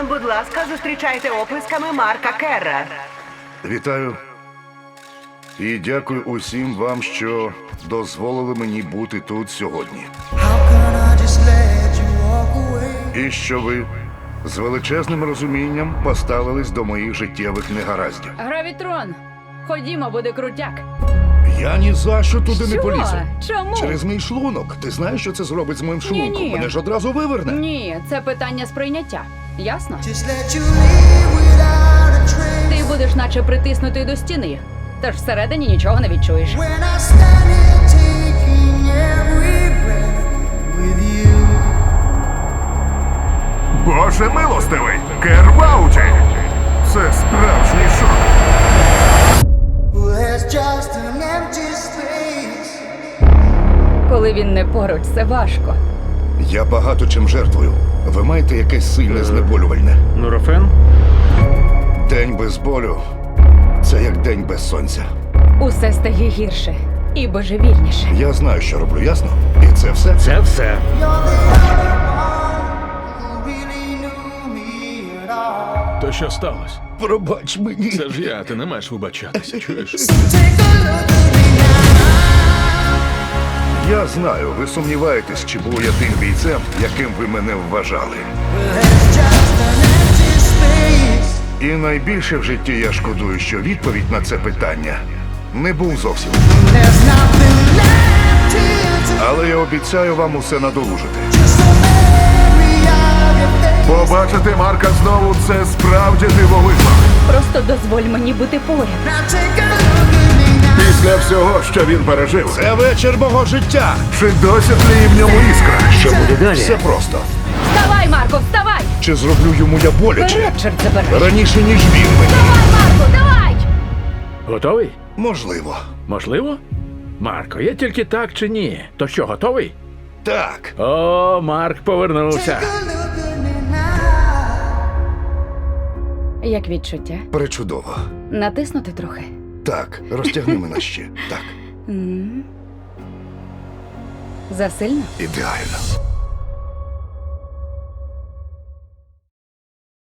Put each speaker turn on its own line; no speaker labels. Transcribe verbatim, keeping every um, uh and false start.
Будь ласка, зустрічайте оплесками Марка Керра.
Вітаю. І дякую усім вам, що дозволили мені бути тут сьогодні. І що ви з величезним розумінням поставились до моїх життєвих негараздів.
Гравітрон, ходімо, буде крутяк.
Я ні за що туди не
Що?
полізу.
Чому?
Через мій шлунок. Ти знаєш, що це зробить з моїм шлунком?
Ні-ні.
Мене ж одразу виверне.
Ні, це питання сприйняття. Ясно?
Just let you leave without a trace.
Ти будеш наче притиснутий до стіни, тож всередині нічого не відчуєш.
When I stand here taking every breath with you.
Боже милостивий! Кер в ауті! Це справжній шок.
Well, there's just an empty space.
Коли він не поруч, це важко.
Я багато чим жертвую. Ви маєте якесь сильне знеболювальне.
Нурофен?
День без болю – це як день без сонця.
Усе стає гірше і божевільніше.
Я знаю, що роблю, ясно? І це все?
Це все.
You're the only one who really knew me at all.
То що сталося?
Пробач мені.
Це ж я, ти не маєш вибачатися, чуєш?
Take a look at me now.
Я знаю, ви сумніваєтесь, чи був я тим бійцем, яким ви мене вважали.
Well, there's just an empty space.
І найбільше в житті я шкодую, що відповідь на це питання не був зовсім.
There's nothing left here to
Але я обіцяю вам усе надолужити.
just a memory of your face.
Побачити Марка знову – це справді дивовижно.
Просто дозволь мені бути поряд.
Now take a look at me now.
Після всього, що він пережив,
Це вечір мого життя.
чи досі тліє в ньому іскра?
Що буде далі?
Все просто.
Вставай, Марко, вставай!
Чи зроблю йому я боляче?
Вперед, чорт забирай!
Раніше, ніж він мені.
Давай, Марко, давай!
Готовий?
Можливо.
Можливо? Марко, є тільки так чи ні? То що, готовий?
Так.
О, Марк повернувся.
Take a look at me now.
Як відчуття?
Пречудово.
Натиснути трохи.
Так, розтягни мене ще. Так,
М. Засильно?
ідеально.